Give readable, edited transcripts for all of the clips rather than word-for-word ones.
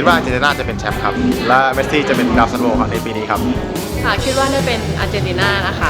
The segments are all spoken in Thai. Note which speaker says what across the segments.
Speaker 1: ดว่าอาร์เจนตินาจะเป็นแชมป์ครับและเมสซี่จะเป็นดาวซันโวครับในปีนี้ครับ
Speaker 2: ค่ะคิดว่าน่าจะเป็นอาร์เจนตินานะคะ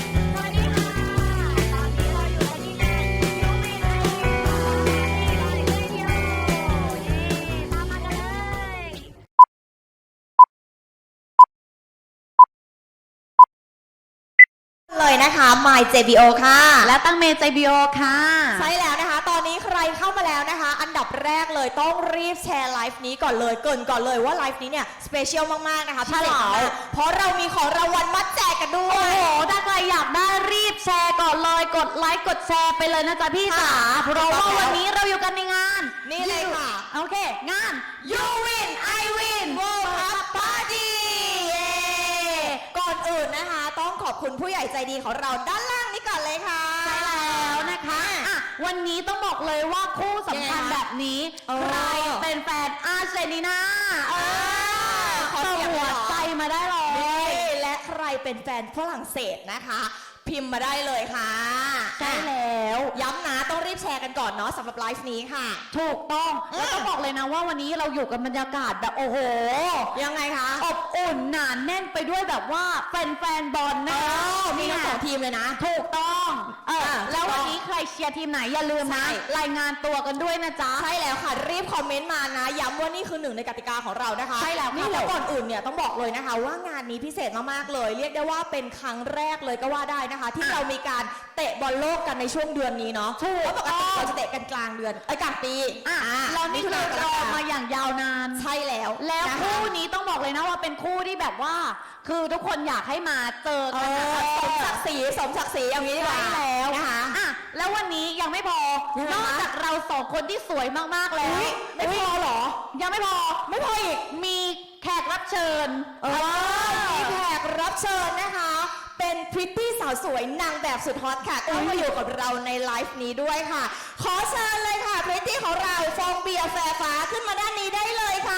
Speaker 3: เลยนะคะ My JBO ค่ะ
Speaker 4: และตั้งเมย์ JBO ค่ะ
Speaker 3: ใช่แล้วนะคะตอนนี้ใครเข้ามาแล้วนะคะอันดับแรกเลยต้องรีบแชร์ไลฟ์นี้ก่อนเลยเกินก่อนเลยว่าไลฟ์นี้เนี่ยสเปเชียลมากๆนะคะพี่เต๋อเพราะเรามีของรางวัลมาแจกกันด้วย
Speaker 4: โอ้โหถ้าใครอยากได้รีบแชร์ก่อนเลยกดไลค์กดแชร์ไปเลยนะจ๊ะพี่จ๋าเพราะว่าวันนี้เราอยู่กันในงาน
Speaker 3: นี่เลยค่ะ
Speaker 4: โอเคงาน
Speaker 3: You Win I Win World Cup Party ก่อนอื่นนะคะต้องขอบคุณผู้ใหญ่ใจดีของเราด้านล่างนี้ก่อนเลยค่ะ
Speaker 4: ใช่แล้วนะคะวันนี้ต้องบอกเลยว่าคู่สำคัญแบบนี้ใครเป็นแฟนอาร์เจนตินา
Speaker 3: ขอเสียงหัว
Speaker 4: ใจมาได้เลย
Speaker 3: และใครเป็นแฟนฝรั่งเศสนะคะพิมพ์มาได้เลยค่ะ
Speaker 4: ใช่แล้ว
Speaker 3: ย้ำนะต้องรีบแชร์กันก่อนเนาะสำหรับไลฟ์นี้ค่ะ
Speaker 4: ถูกต้องแล้วต้องบอกเลยนะว่าวันนี้เราอยู่กับบรรยากาศแบบโอ้โห
Speaker 3: ยังไงคะ
Speaker 4: อบอุ่นหนาแน่นไปด้วยแบบว่าแฟนบอลนะคะ
Speaker 3: มีทั้งสองทีมเลยนะ
Speaker 4: ถูกต้องแล้ววันนี้ใครเชียร์ทีมไหนอย่าลืมนะรายงานตัวกันด้วยนะจ๊ะ
Speaker 3: ใช่แล้วค่ะรีบคอมเมนต์มานะย้ำว่านี่คือหนึ่งในกติกาของเรานะคะ
Speaker 4: ใช่แล้ว
Speaker 3: นี่แล้วก่อนอื่นเนี่ยต้องบอกเลยนะคะว่างานนี้พิเศษมากๆเลยเรียกได้ว่าเป็นครั้งแรกเลยก็ว่าได้นะคะที่เรามีการเตะบอลโลกกันในช่วงเดือนนี้เนาะเพราะปกติเราจะเตะกันกลางเดือนกลางปี
Speaker 4: เรานี่คือรอมาอย่างยาวนาน
Speaker 3: ใช่แล้ว
Speaker 4: คู่นี้ต้องบอกเลยนะว่าเป็นคู่ที่แบบว่าคือทุกคนอยากให้มาเจอกัน
Speaker 3: สมศักดิ์ศรีอย่างนี้ดีกว่า
Speaker 4: แล้วนะคะแล้ววันนี้ยังไม่พอนอกจากเราสองคนที่สวยมากๆแล้ว
Speaker 3: ไม่พอหรอ
Speaker 4: ยังไม่พออีกมีแขกรับเชิญ
Speaker 3: มีแขกรับเชิญนะคะเป็นพริตตี้สาวสวยนางแบบสุดฮอตค่ะก็มาอยู่กับเราในไลฟ์นี้ด้วยค่ะขอเชิญเลยค่ะพริตตี้ของเราฟองเบียร์แฟร์ฟ้าขึ้นมาด้านนี้ได้เลยค่ะ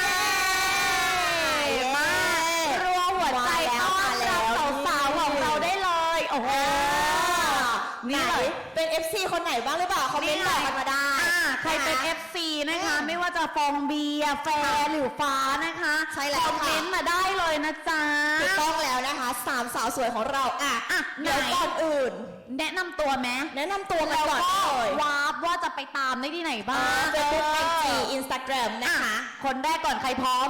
Speaker 4: มารัวหัวใจต้อนรับสาวๆของเราได้เลยโอ้โห
Speaker 3: นี่เลยเป็น FC คนไหนบ้างหรือเปล่าคอมเมนต์บอกกันมาได้
Speaker 4: ใครเป็น FC นะคะไม่ว่าจะฟองเบียร์แฟร์หรือฟ้านะคะ
Speaker 3: ใช่แล้ว
Speaker 4: คอมเมนต์มาได้เลยนะจ๊ะ
Speaker 3: ถูกต้องแล้วนะคะสามสาวสวยของเราเดี๋ยวก่อนอื่น
Speaker 4: แนะนำตัวไหม
Speaker 3: แนะนำตัวมาก่อนเล
Speaker 4: ยวาร์ปว่าจะไปตามได้ที่ไหนบ้าง
Speaker 3: Facebook IG Instagram นะคะ
Speaker 4: คนแรกก่อนใครพร้อม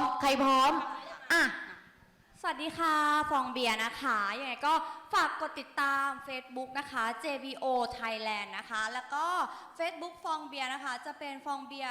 Speaker 5: สวัสดีค่ะฟองเบียร์นะคะยังไงก็ฝากกดติดตาม Facebook นะคะ JBO Thailand นะคะแล้วก็ Facebook ฟองเบียร์นะคะจะเป็นฟองเบียร์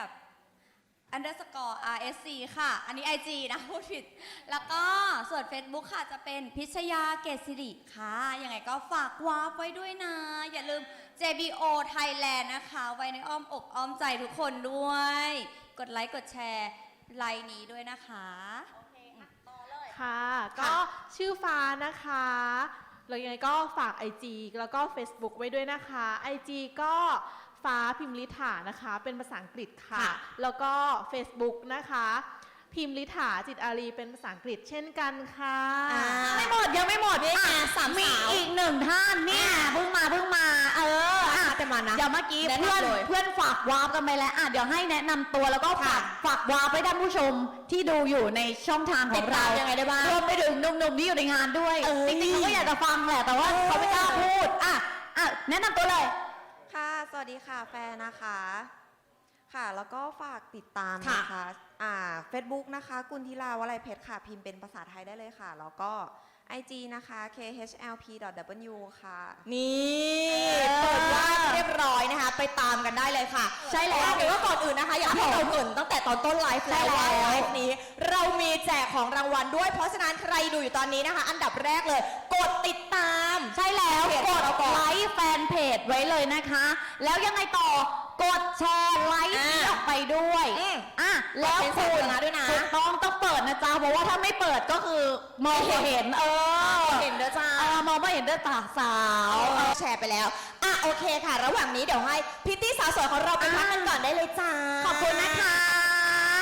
Speaker 5: _RSC ค่ะอันนี้ IG นะพูดผิดแล้วก็ส่วน Facebook ค่ะจะเป็นพิชยาเกษสิริค่ะยังไงก็ฝากวาร์ปไว้ด้วยนะอย่าลืม JBO Thailand นะคะไว้ในอ้อมอกอ้อมใจทุกคนด้วยกดไลค์กดแชร์ไลน์นี้ด้วยนะคะ
Speaker 2: ค่ะก็ชื่อฟ้านะคะแล้วยังไงก็ฝาก IG แล้วก็ Facebook ไว้ด้วยนะคะ IG ก็ฟ้าพิมลิถานะคะเป็นภาษาอังกฤษค่ะแล้วก็ Facebook นะคะพิมลิถาจิตอารีเป็นภาษาอังกฤษเช่นกันค่ะ
Speaker 4: ยังไม่หมดมีอีกหนึ่งท่านเนี่ยเพิ่งมา
Speaker 3: แต่มานะ
Speaker 4: เดี๋ยวเมื่อกี้เพื่อนฝากวาร์ปกันไปแล้วเดี๋ยวให้แนะนำตัวแล้วก็ฝากวาร์ปไปท่านผู้ชมที่ดูอยู่ในช่องทางของเรา
Speaker 3: ยังไงได้บ้าง
Speaker 4: รวมไปถึงหนุ่มๆที่อยู่ในงานด้วยจริงๆเขาก็อยากจะฟังแหละแต่ว่าเขาไม่กล้าพูดแนะนำตัวเลย
Speaker 6: ค่ะสวัสดีค่ะแฟนนะคะค่ะแล้วก็ฝากติดตามนะคะFacebook นะคะกุลธิลาวลัยเพชรค่ะพิมพ์เป็นภาษาไทยได้เลยค่ะแล้วก็ IG นะคะ khlp.w ค่ะ
Speaker 3: นี่เปิดว่าเรียบร้อยนะคะไปตามกันได้เลยค่ะใช่แล้วเดี๋ยวว่าก่อนอื่นนะคะอยากให้เราเกริ่นตั้งแต่ตอนต้นไลฟ์แล้วว่าไลฟ์นี้เรามีแจกของรางวัลด้วยเพราะฉะนั้นใครดูอยู่ตอนนี้นะคะอันดับแรกเลยกดติดตาม
Speaker 4: ใช่แล้วกดไลค์แฟนเพจไว้เลยนะคะแล้วยังไงต่อกดแชร์ไลค์นี้ออกไปด้วยแล้วคุณถูกต้องเปิดนะจ๊ะเพราะว่าถ้าไม่เปิดก็คือมองไม่เห็น
Speaker 3: เห็นเด้อจ้าม
Speaker 4: องไม่เห็นเด้อตาสาว
Speaker 3: แชร์ไปแล้วโอเคค่ะระหว่างนี้เดี๋ยวให้พิตตี้สาวสวยของเราไปพักกันก่อนได้เลยจ้า
Speaker 4: ขอบคุณนะคะเย้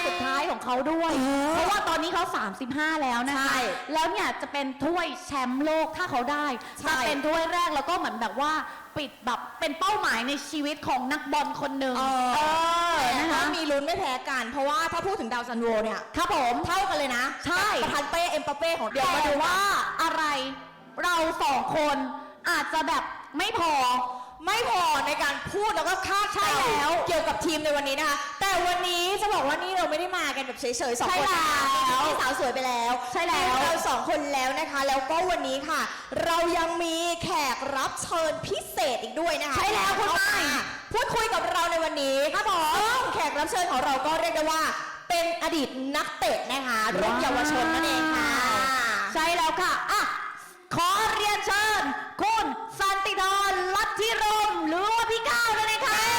Speaker 4: สุดท้ายของเขาด้วย เพราะว่าตอนนี้เขา 35 แล้วนะคะ
Speaker 3: ใช่
Speaker 4: แล้วเนี่ยจะเป็นถ้วยแชมป์โลกถ้าเขาได้
Speaker 3: ใช่
Speaker 4: จะเป็นถ้วยแรกแล้วก็เหมือนแบบว่าปิดแบบเป็นเป้าหมายในชีวิตของนักบอลคนหนึ่ง
Speaker 3: นะ
Speaker 4: นะคะ
Speaker 3: คะมีลุ้นไม่แพ้กัน เพราะว่าถ้าพูดถึงดาวซันโวเนี่ย
Speaker 4: ครับผม
Speaker 3: เท่ากันเลยนะ
Speaker 4: ใช่
Speaker 3: ประธานเป้เอ็มปาเป้ของ
Speaker 4: เดี๋ยวมาดูว่าอะไรเราสองคนอาจจะแบบไม่พอ
Speaker 3: ไม่พอในการพูดแล้วก็คาด
Speaker 4: ใช่แล้ว
Speaker 3: เกี่ยวกับทีมในวันนี้นะคะ แต่วันนี้จะบอกว่านี่เราไม่ได้มากันแบบเฉยๆสอง
Speaker 4: ใช่
Speaker 3: คนนะ
Speaker 4: แล้ว
Speaker 3: มีสาวสวยไปแล้ว
Speaker 4: ใช่แล้ว
Speaker 3: มีเราสองคนแล้วนะคะ แล้วก็วันนี้ค่ะ เรายังมีแขกรับเชิญพิเศษอีกด้วยนะคะ
Speaker 4: ใช่แล้วคุณไม้
Speaker 3: พูดคุยกับเราในวันนี้ครับผมซึ่งแขกรับเชิญของเราก็เรียกได้ว่า เป็นอดีตนักเตะนะคะรุ่นเยาวชนนั่นเองค่ะ
Speaker 4: ใช่แล้วค่ะอ่ะ ขอเรียนเชิญ คุณสันติธรลัทธิรมย์หรือว่าพี่ก้าวนั่นเองค่ะ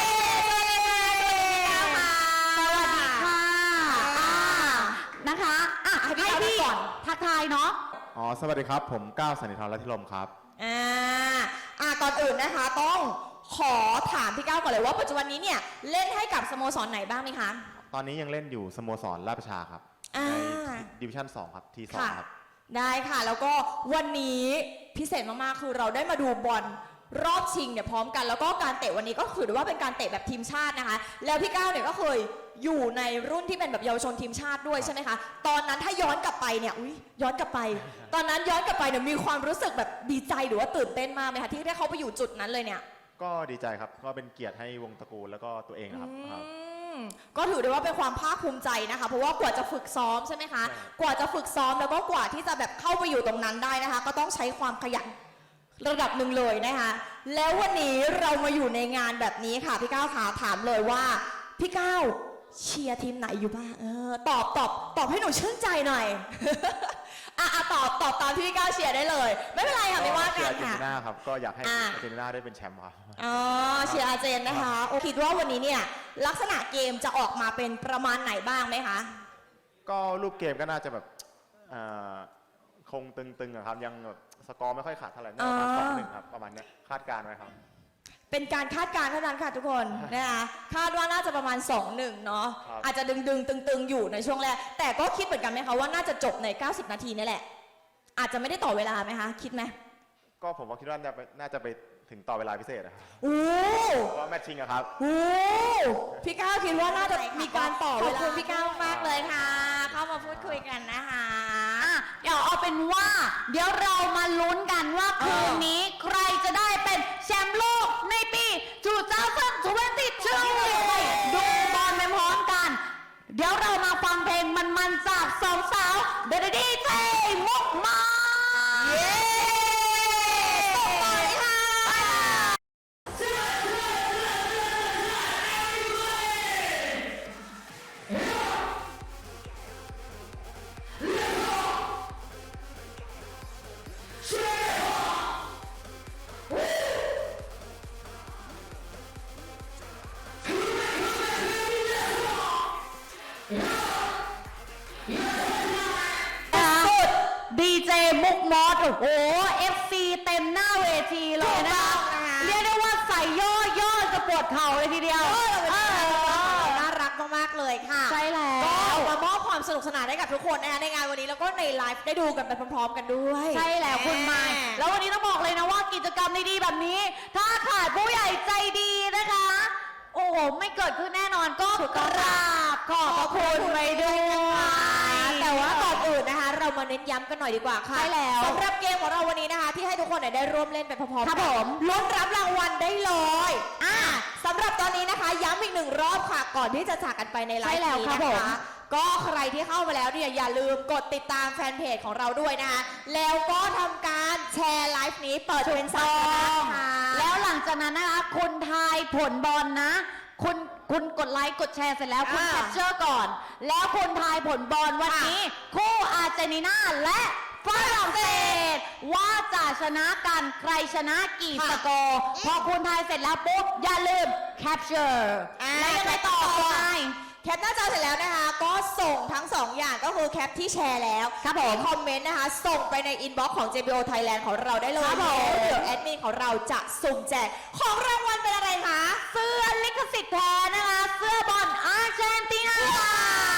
Speaker 4: สวัสดีค่ะอ่านะคะอ่ะให้พี่ก่อนทักทายเนาะ
Speaker 1: อ๋อ สวัสดีครับ ผมก้าวสันนิธรรัตน์ธิรมครับ
Speaker 3: ก่อนอื่นนะคะต้องขอถามพี่ก้าวก่อนเลยว่าปัจจุบันนี้เนี่ยเล่นให้กับสโมสรไหนบ้างไหมคะ
Speaker 1: ตอนนี้ยังเล่นอยู่สโมสรราชประชาครับ
Speaker 3: อ่า
Speaker 1: ในดิวิชั่น 2 ครับ ที
Speaker 3: ค่ะ
Speaker 1: 2 ครับ
Speaker 3: ได้ค่ะ แล้วก็วันนี้พิเศษมากๆคือเราได้มาดูบอลรอบชิงเนี่ยพร้อมกัน แล้วก็การเตะวันนี้ก็ถือได้ว่าเป็นการเตะแบบทีมชาตินะคะ แล้วพี่ก้าวเนี่ยก็เคยอยู่ในรุ่นที่เป็นแบบเยาวชนทีมชาติด้วยใช่ไหมคะตอนนั้นถ้าย้อนกลับไปเนี่ยย้อนกลับไป ตอนนั้นย้อนกลับไปเนี่ยมีความรู้สึกแบบดีใจหรือว่าตื่นเต้นมากไหมคะที่ได้เข้าไปอยู่จุดนั้นเลยเนี่ย
Speaker 1: ก็ดีใจครับ ก็เป็นเกียรติให้วงตระกูลแล้วก็ตัวเองนะครับ
Speaker 3: ก็ถือได้ว่าเป็นความภาคภูมิใจนะคะ เพราะว่ากว่าจะฝึกซ้อมใช่ไหมคะ
Speaker 1: ใช่
Speaker 3: กว่าจะฝึกซ้อมแล้วก็กว่าที่จะแบบเข้าไปอยู่ตรงนั้นได้นะคะ ก็ต้องใช้ความขยันระดับหนึ่งเลยนะคะ แล้ววันนี้เรามาอยู่ในงานแบบนี้ค่ะพี่ก้าวขาถามเลยว่าพี่ก้าวเชียร์ทีมไหนอยู่บ้างตอบให้หนูชื่นใจหน่อย ตอบตามที่พี่ก้าวเชียร์ได้เลย ไม่เป็นไรค่ะไม่ว่า
Speaker 1: เชีย
Speaker 3: กั
Speaker 1: ร์
Speaker 3: น
Speaker 1: อาร์เจน
Speaker 3: ค่ะ
Speaker 1: ตินาครับ ก็อยากให้
Speaker 3: อ่า
Speaker 1: อาร์เจนตินาได้เป็นแชมป์ครับ
Speaker 3: อ๋อเชียร์อาร์เจนนะคะโอคิดว่าวันนี้เนี่ยลักษณะเกมจะออกมาเป็นประมาณไหนบ้างไหมคะ
Speaker 1: ก็รูปเกมก็น่าจะแบบคงตึงๆอะครับ ยังแบบสกอร์ไม่ค่อยขาดเท่าไหร่น่าจะประมาณ 2-1 ครับ ประมาณเนี้ยคาดการณ์ไว้ครับ
Speaker 3: เป็นการคาดการณ์เท่านั้นค่ะทุกคนนะคะคาดว่าน่าจะประมาณ 2-1 เนาะ
Speaker 1: ครับ
Speaker 3: อาจจะดึงตึงๆอยู่ในช่วงแรก แต่ก็คิดเหมือนกันไหมคะว่าน่าจะจบใน 90 นาทีนี่แหละ อาจจะไม่ได้ต่อเวลาไหมคะ คิดไหม
Speaker 1: ก็ผมว่าคิดว่าน่าจะไปถึงต่อเวลาพิเศษนะครับ
Speaker 3: โอ้
Speaker 1: เพราะว่าแมตช์ชิงอะครับ
Speaker 3: โหพี่ก้าวคิดว่าน่าจะมีการต่อเวลา
Speaker 5: ขอบคุณพี่ก้าวมากเลยค่ะ เข้ามาพูดคุยกันนะคะ
Speaker 4: อ่ะเดี๋ยวเอาเป็นว่า เดี๋ยวเรามาลุ้นกันว่าคืนนี้ใครจะได้เป็นแชมป์โลกในปี2022ดูบอลไปพร้อมกัน เดี๋ยวเรามาฟังเพลงมันๆจากสองสาวเดอะดีเจมุกมา
Speaker 3: เย้ตบต่อเลยค่ะ
Speaker 4: สุดดีเจมุกมอสโอ้โห FC เต็มหน้าเวทีเลยนะคะ
Speaker 3: ถูกต้องนะคะ
Speaker 4: เรียกได้ว่าใส่ย่อจะปวดเข่าเลยทีเดียว
Speaker 3: น่ารักมากๆเลยค่ะ
Speaker 4: ใช่แล้ว
Speaker 3: ก็มามอบความสนุกสนานให้กับทุกคนนะคะในงานวันนี้แล้วก็ในไลฟ์ได้ดูกันไปพร้อมๆกันด้วย
Speaker 4: ใช่แล้วคุณไม้แล้ววันนี้ต้องบอกเลยนะว่ากิจกรรมดีๆแบบนี้ ถ้าขาดผู้ใหญ่ใจดีนะคะ โอ้โห ไม่เกิดขึ้นแน่นอนก็กราบขอบพระคุณไปด้วย
Speaker 3: แต่ว่าก่อนอื่นนะคะ เรามาเน้นย้ำกันหน่อยดีกว่าค่ะ
Speaker 4: ใช่แล้ว
Speaker 3: สำหรับเกมของเราวันนี้นะคะ ที่ให้ทุกคนได้ร่วมเล่นไปพร้อมๆ
Speaker 4: ครั
Speaker 3: กับ
Speaker 4: ผม
Speaker 3: ลุ้นรับรางวัลได้เลยสำหรับตอนนี้นะคะ ย้ำอีกหนึ่งรอบค่ะ ก่อนที่จะจากกันไปในไล
Speaker 4: ใช่
Speaker 3: ฟ์
Speaker 4: แล้ว
Speaker 3: นี้
Speaker 4: ครับ
Speaker 3: นะ
Speaker 4: ผม
Speaker 3: คะก็ใครที่เข้ามาแล้วเนี่ยอย่าลืมกดติดตามแฟนเพจของเราด้วยนะคะแล้วก็ทำการแชร์ไลฟ์นี้เปิดเป็นสาธารณะค่ะ
Speaker 4: แล้วหลังจากนั้นนะคะคุณทายผลบอลนะ คุณกดไลค์กดแชร์เสร็จแล้วคุณแคปเจอร์ก่อน แล้วคุณทายผลบอลวันนี้ คู่อาร์เจนตินาและฝรั่งเศสว่าจะชนะกันใครชนะกี่สกอร์พอคุณทายเสร็จแล้วปุ๊บอย่าลืมแคปเจอร์แล้วยังไงต่อคุณนาย
Speaker 3: แคปหน้าจอเสร็จแล้วนะคะ ก็ส่งทั้ง 2 อย่างก็คือแคปที่แชร์แล้ว
Speaker 4: ครับผม
Speaker 3: คอมเมนต์นะคะ ส่งไปในอินบ็อกซ์ของ JBO Thailand ของเราได้เลย
Speaker 4: ครับผม
Speaker 3: แล้วเดี๋ยวแอดมินของเราจะสุ่มแจกของรางวัลเป็นอะไรคะ
Speaker 4: เสื้อลิขสิทธิ์แท้นะคะ เสื้อบอลอาร์เจนตินา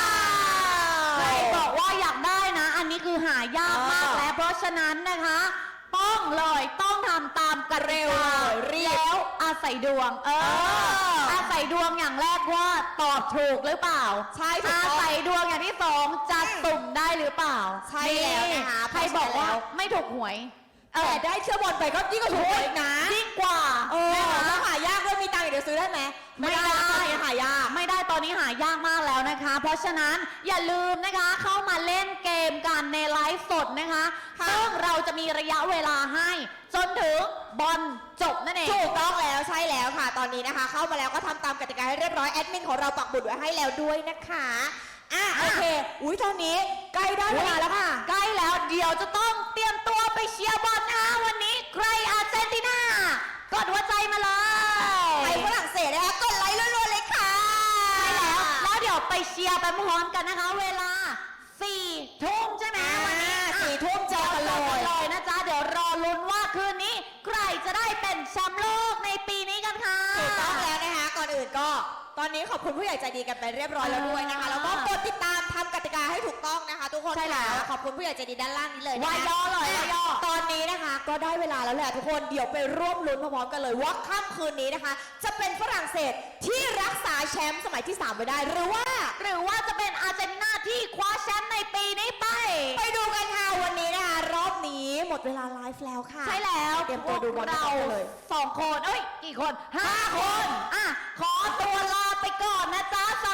Speaker 4: หายากมากแล้วเพราะฉะนั้นนะคะต้องทำตามกติกาแล้วอาศัยดวงอาศัยดวงอย่างแรกว่าตอบถูกหรือเปล่า
Speaker 3: ใช่ถูก
Speaker 4: อา
Speaker 3: ต้อง
Speaker 4: ศัยดวงอย่างที่สองจะสุ่มได้หรือเปล่า
Speaker 3: ใช่แล้วนะคะ
Speaker 4: ใครบอกว่าไม่ถูกหวย
Speaker 3: แต่ได้เชื่อบอลไปก็ยิ่งกว่าถูกอีกนะ
Speaker 4: ยิ่งกว่า
Speaker 3: แล้วหายากด้วยมีตังค์อีกเดี๋ยวซื้อได้ไหม
Speaker 4: ไม่ได้
Speaker 3: ตอนนี้หายาก
Speaker 4: ไม่ได้ตอนนี้หายากมากแล้วนะคะ เพราะฉะนั้นอย่าลืมนะคะเข้ามาเล่นเกมกันในไลฟ์สดนะคะ
Speaker 3: ค่ะ
Speaker 4: ซึ่งเราจะมีระยะเวลาให้จนถึงบอลจบนั่นเอง
Speaker 3: ถูกต้องแล้วใช่แล้วค่ะ ตอนนี้นะคะ เข้ามาแล้วก็ทำตามกติกาให้เรียบร้อยแอดมินของเราปักบุตรไว้ให้แล้วด้วยนะคะโอเคอุ้ยตอนนี้ใกล้ได้เวลาแล้วค่ะ
Speaker 4: ใกล้แล้วเดี๋ยวจะต้องเตรียมตัวไปเชียร์บอลนะคะวันนี้ใครอาร์เจนตินากดหัวใจมาเลย
Speaker 3: ไปฝรั่งเศสนะคะกดไลค์รัวๆเลยค่ะ
Speaker 4: ใช่แล้วเดี๋ยวไปเชียร์ไปพร้อมกันนะคะ เวลา 4 ทุ่มใช่ไหมวันนี้
Speaker 3: 4 ทุ่มเจอกันเลย
Speaker 4: เลยนะจ๊ะเดี๋ยวรอลุ้นว่าคืนนี้ใครจะได้เป็นแชมป์โลกในปีนี้กันค่ะ
Speaker 3: ถูกต้องแล้วนะคะ ก่อนอื่นก็ตอนนี้ขอบคุณผู้ใหญ่ใจดีกันไปเรียบร้อยแล้วด้วยนะคะ แล้วก็กดติดตามทำกติกาให้ถูกต้องนะคะ ทุกคน
Speaker 4: ใช่แล้ว
Speaker 3: ค่ะขอบคุณผู้ใหญ่ใจดีด้านล่างนี้เลยนะคะ
Speaker 4: วายย่อเลย
Speaker 3: อ่ะ
Speaker 4: วายย่อ
Speaker 3: ตอนนี้นะคะก็ได้เวลาแล้วแหละทุกคนเดี๋ยวไปร่วมลุ้นพร้อมๆกันเลยว่าค่ำคืนนี้นะคะ จะเป็นฝรั่งเศสที่รักษาแชมป์สมัยที่ 3 ไว้ได้หรือว่า
Speaker 4: จะเป็นอาร์เจนตินาที่คว้าแชมป์ในปีนี้ไป
Speaker 3: ไปดูกันค่ะวันนี้นะคะรอบนี้หมดเวลาไลฟ์แล้วค่ะ
Speaker 4: ใช่แล้ว
Speaker 3: เตรียมตัวดูบอล
Speaker 4: เรา
Speaker 3: กันเลย
Speaker 4: 2 คนกี่คน 5 คนขอตัวลาไปก่อนนะจ๊ะส